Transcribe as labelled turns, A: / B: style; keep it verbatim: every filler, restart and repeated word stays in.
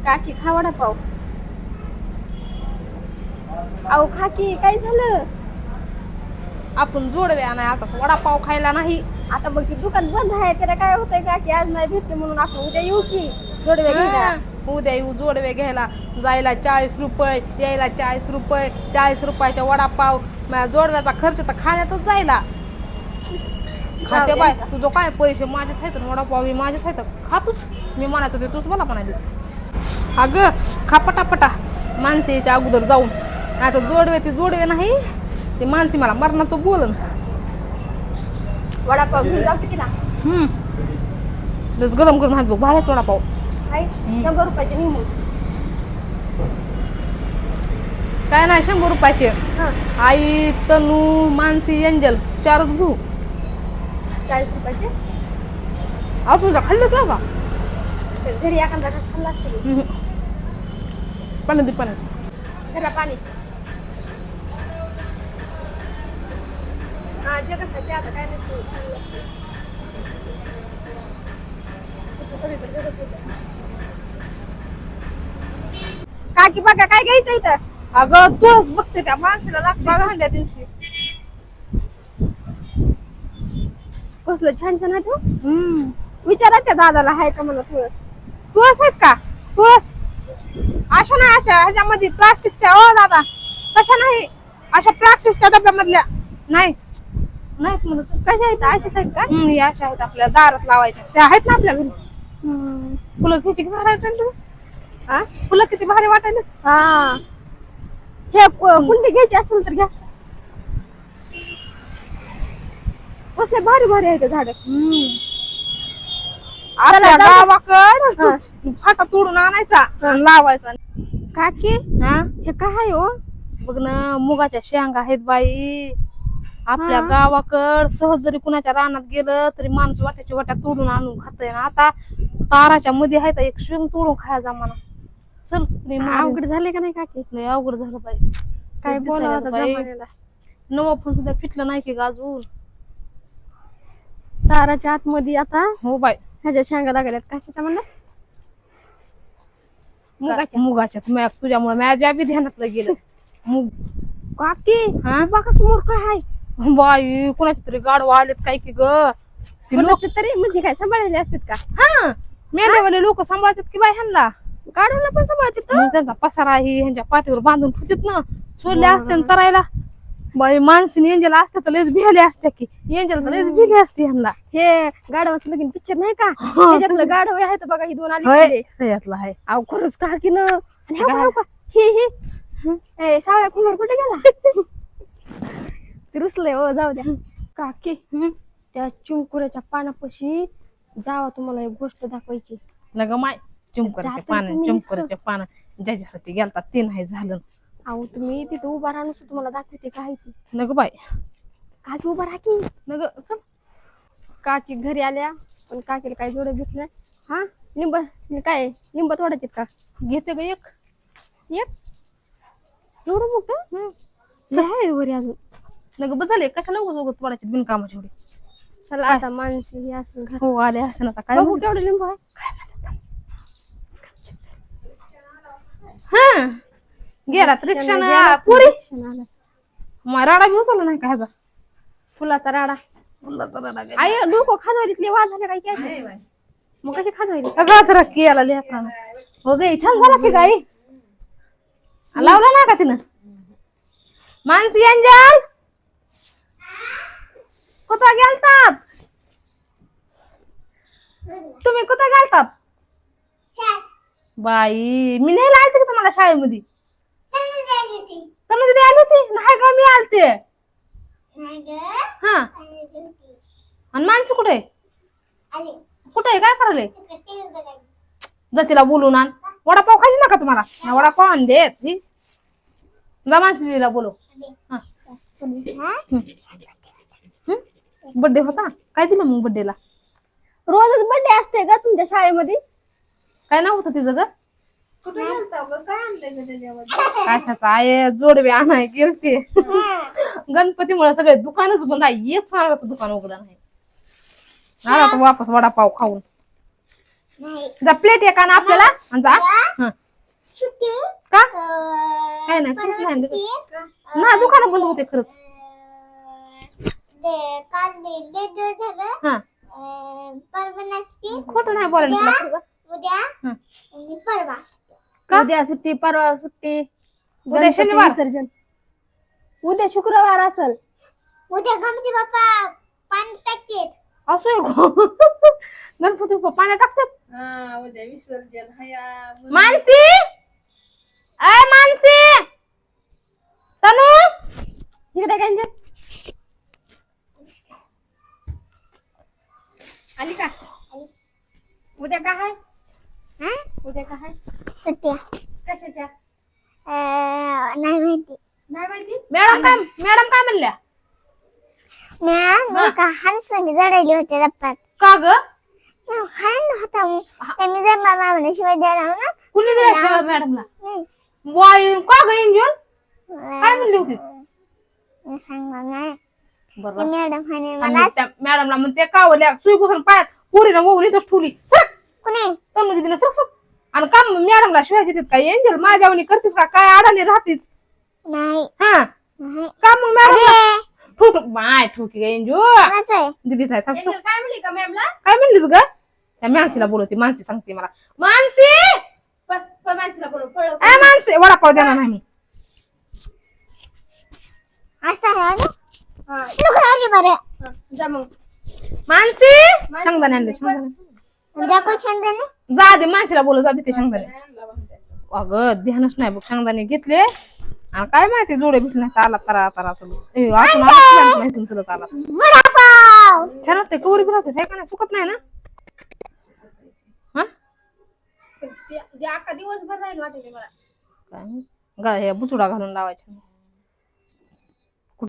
A: काकी खा वडापाव. अहो काकी काय झालं?
B: आपण जोडव्या नाही आता वडापाव खायला नाही.
A: आता बघ की दुकान बंद आहे त्याला काय होतंय काकी आज नाही भेटते म्हणून आपण उद्या येऊ की जोडवे घ्यायला.
B: हा, उद्या येऊ जोडवे घ्यायला. जायला चाळीस रुपये यायला चाळीस रुपये चाळीस रुपयाचा वडापाव. माझ्या जोडव्याचा खर्च तर खाण्यातच जायला. खाते बाय तुझं काय पैसे माझेच आहेत ना वडापाव मी माझेच आहेत खातूच. मी म्हणायचं ते तूच मला म्हणालीस. अगं खा पटापटा माणसे याच्या अगोदर जाऊन. आता जोडवे ते जोडवे नाही ते माणसे मला मरणाचं बोलन.
A: वडापाव घेऊन जाऊ की ना.
B: हम्म लस गरम गरम हात बघ भारी वडापाव.
A: हाय शंभर रुपयाचे निघून.
B: काय नाही शंभर रुपयाचे.
A: हा
B: आई तनू मानसी एंजल चारच घेऊ.
A: चाळीस रुपयाचे
B: अहो तुझा खाल्लं का बा?
A: तर घरी एखादा घास खाल्ला असतं की.
B: पाणी दे पाणी.
A: घरा पाणी. हा जगच आहे ते आता काय नाही खाल्लं असतं. इथं सगळीकडे जगच होतं. काकी बघा काय घ्यायचं इथं.
B: अगं तूच बघते त्या माणसाला लागता भांड्या दिवशी.
A: कसलं छान छान आहे तू.
B: हम्म
A: विचारा त्या दादाला आहे का मला तुळस.
B: तुळस आहेत का? तुळस अशा नाही अशा ह्याच्यामध्ये प्लास्टिकच्या. ओ दादा तशा नाही अशा प्लास्टिकच्या डब्यामधल्या नाही नाहीत म्हणून.
A: कशा आहेत अशाच आहेत का.
B: हम्म या अशा आहेत आपल्या दारात लावायच्या त्या आहेत ना आपल्या घरी.
A: हम्म.
B: फुलं किती भारी वाटायला.
A: हा
B: फुलं किती भारी वाटायला.
A: हा हे कु- कुंडी घ्यायची असेल तर घ्या. कसले भारी भारी आहेत झाड.
B: आपल्या
A: चला,
B: गावाकड
A: हा.
B: फाटा तोडून आणायचा आणि लावायचा.
A: काकी
B: हा
A: हे काय हो.
B: बघ ना मुगाच्या शेंगा आहेत बाई. आपल्या
A: हा.
B: गावाकड सहज जरी कुणाच्या रानात गेलं तरी माणूस वाट्याच्या वाट्या तोडून आणून खातय ना. आता ताराच्या मध्ये आहे एक शेंग तोडून खायचा मला. चल मी मारीन.
A: अवघड झाले का नाही काकी.
B: लय अवघड झालं बाई.
A: काय
B: दिसायला
A: बोलावं आता
B: बाई.
A: जमान्याला.
B: नवं पण सुद्धा फिटलं नाही की गाजून.
A: ताराच्या आतमध्ये आता
B: हो बाई
A: ह्याच्या शेंगा लागल्यात. कशाच्या म्हणलं.
B: मुगाच्या मुगाच्या तुझ्यामुळे माझ्या बी ध्यानातलं गेलं. मुग
A: काकी
B: हा
A: बघा समोर काय आहे.
B: बाई कुणाचे तरी गाडवा आलेत काय की ग. ती लोक
A: कोणाचे तरी म्हणजे काय सांभाळलेले असतात का.
B: हा मेंढ्यावाले लोक सांभाळतात की बाई ह्यांना.
A: गाडूला पण सांभाळतात.
B: मग त्यांचा पसारा ही ह्यांच्या पाठीवर बांधून ठेवतात ना. सोडले
A: बरं.
B: असते ना चरायला. बाई माणसीने एंजल असते तर लयच भिले असते की. एंजल तर लयच भिले असते ह्यांना.
A: हे गाडवाचं लगीन पिक्चर नाही का त्याच्यातलं गाडव आहे तर बघा ही दोन आली
B: होय
A: तिकडे.
B: त्याच्यातलं आहे.
A: अहो खरंच का की न. आणि हे
B: काय?
A: बघा, बघा. हे हे ए सावळ्या कुमार कुठे गेला. ते रुसलंय हो जाऊ द्या. काकी त्या चिंकुऱ्याच्या पानापाशी जावा तुम्हाला एक गोष्ट दाखवायची.
B: न ग माय चिमकराच्या
A: जातं
B: पानं
A: तुम्ही
B: चिमकराच्या पानं ज्याच्यासाठी गेलतात ते नाही झालं.
A: अहो तुम्ही तिथे उभा राहून तुम्हाला दाखवते काय ती.
B: न ग बाई
A: काकी उभा राहा की.
B: न ग चल.
A: काकी घरी आल्या पण काकीला काय जोडे घेतलं. हा लिंब काय लिंब तोडायचे का.
B: घेते ग एक
A: एक एवढं मोठं आहे वरी अजून.
B: न ग बसले कशाला उगाच उगाच पडायचे बिनकामाची एवढी.
A: चला आता माणसे हे असं घर.
B: हो आले असं आता काय
A: बघू केवढं लिंबू आहे.
B: हा गेला रिक्षा पुरी
A: आला.
B: मग राडा बी उचलला नाही का ह्याचा.
A: फुलाचा राडा.
B: फुलाचा राडा गेला.
A: आई डोकं खाजवायला वाद झाले काय काय. मग कशी खाजवायली.
B: सगळाच रक्की याला लेकरानं. हो गे छान झाला की गाई. लावला ना का तिनं मानसी अंजल कुठं गेलतात तुम्ही कुठं गेलतात. बाई मी नाही आलते का तुम्हाला शाळेमध्ये. तुम्ही तिथे आली होती नाही का मी आलते. हा आणि माणसं कुठे कुठे आहे काय करायले. जातीला बोलून आण. वडापाव खायची नका तुम्हाला. वडापाव आण देत जा माणसीला बोलव. बर्थडे होता काय दिलं मग बर्थडेला.
A: रोजच बर्थडे असते का तुमच्या शाळेमध्ये.
B: काय नाव होतं तिचं ग. कशाचा आहे जोडवे आणाय गेलते. गणपतीमुळे सगळे दुकानच बंद आहे. एक सोनाराचं दुकान उघडं नाही. आला तर वापस वडापाव खाऊन. जा प्लेट एक आणा आपल्याला आणि जा हं. का काय नाही खरंच नाही देत. नाही दुकान बंद होते खरंच हा खोटं नाही बोलायला तुला खरं. का?
A: उद्या सुट्टी परवा सुट्टी
B: उद्या
A: गणपती
B: शनिवार.
A: विसर्जन उद्या शुक्रवार असल
C: उद्या गणपती बाप्पा पाणी टाकेत.
B: असं आहे गो. गणपती बाप्पा पाण्यात टाकतात
D: उद्या विसर्जन हया
B: मानसी अय मानसी तनू
A: इकडे काय आली का उद्या काय आहे
C: हा?
A: उद्या काय आहे
C: सुट्ट्या
A: कशाच्या
C: अं, नाही माहिती.
A: नाही माहिती
B: मॅडम काय मॅडम काय म्हणल्या
C: मी का हंसवानी जडायली होते रप्पात
B: का ग
C: हरण होता मग. ते मी जर मामा म्हणे शिवाय द्यायला हो ना
B: कुणी दिल्या मॅडमला
C: नाही.
B: वाय का ग एंजल काय म्हणली होती
C: मी सांगणार नाही.
B: बरं
C: ते मॅडम म्हणे
B: आणि
C: मला
B: त्या मॅडमला म्हणते कावल्या सुई घुसून पायात पोरीनं वहून इथंच ठेवली सरक
C: कुणी
B: तनु दिदीला सरक सरक आणि का मॅडमला शिवाय देतात काय एंजल माझ्यावणी करतीस का काय अडाणी राहतीस
C: नाही
B: हा
C: नाही.
B: का मग मॅडम
C: अरे
B: ठोक माय ठोकी ग एंजू
C: कोणाचं आहे?
B: दीदीच आहे थांब,
A: एंजल काय म्हणली का मॅमला
B: काय म्हणलीस ग त्या मानसीला बोलवते मानसी सांगते मला मानसी
A: माणसाला बोलव पळव
B: ए मानसी वडापाव देणार नाही मी
C: असं आहे ना?
A: हा
C: नको राहू दे बरं.
A: हा, जा मग
B: मानसी शेंगदाणे आणले शेंगदाणे
C: उद्या कोण शेंगदाणे?
B: जा दे मानसीला बोलव जा दे ते शेंगदाणे अगं ध्यानच नाही बघ शेंगदाणे घेतले आणि काय माहिती जोडे भेटले नाही आला तरा तरा चलत ए अजून आला माहिती चलत आला
C: वडापाव.
B: छान वाटतंय कवरी पण राहते का नाही सुकत नाही ना हा
A: ते- ते अख्खा दिवसभर राहील वाटेल मला
B: काय गा हे बुचुडा घालून लावायचा